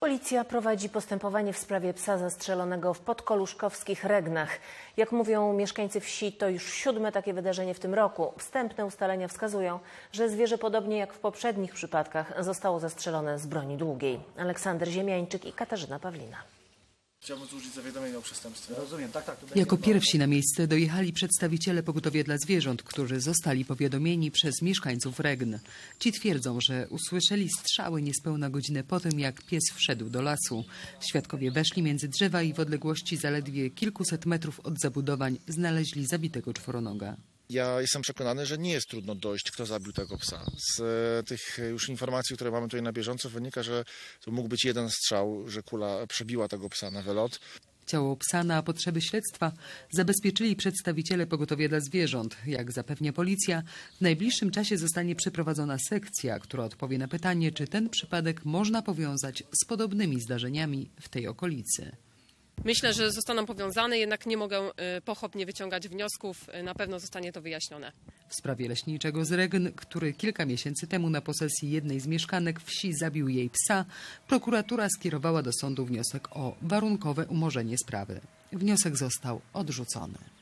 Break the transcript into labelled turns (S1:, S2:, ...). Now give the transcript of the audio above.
S1: Policja prowadzi postępowanie w sprawie psa zastrzelonego w podkoluszkowskich Regnach. Jak mówią mieszkańcy wsi, to już 7. takie wydarzenie w tym roku. Wstępne ustalenia wskazują, że zwierzę podobnie jak w poprzednich przypadkach zostało zastrzelone z broni długiej. Aleksander Ziemiańczyk i Katarzyna Pawlina.
S2: Chciałbym złożyć zawiadomienie o przestępstwie.
S3: Rozumiem, tak.
S4: Jako pierwsi na miejsce dojechali przedstawiciele Pogotowia dla Zwierząt, którzy zostali powiadomieni przez mieszkańców Regn. Ci twierdzą, że usłyszeli strzały niespełna godzinę po tym, jak pies wszedł do lasu. Świadkowie weszli między drzewa i w odległości zaledwie kilkuset metrów od zabudowań znaleźli zabitego czworonoga.
S2: Ja jestem przekonany, że nie jest trudno dojść, kto zabił tego psa. Z tych już informacji, które mamy tutaj na bieżąco, wynika, że to mógł być jeden strzał, że kula przebiła tego psa na wylot.
S4: Ciało psa na potrzeby śledztwa zabezpieczyli przedstawiciele Pogotowia dla Zwierząt. Jak zapewnia policja, w najbliższym czasie zostanie przeprowadzona sekcja, która odpowie na pytanie, czy ten przypadek można powiązać z podobnymi zdarzeniami w tej okolicy.
S5: Myślę, że zostaną powiązane, jednak nie mogę pochopnie wyciągać wniosków. Na pewno zostanie to wyjaśnione.
S4: W sprawie leśniczego z Regn, który kilka miesięcy temu na posesji jednej z mieszkanek wsi zabił jej psa, prokuratura skierowała do sądu wniosek o warunkowe umorzenie sprawy. Wniosek został odrzucony.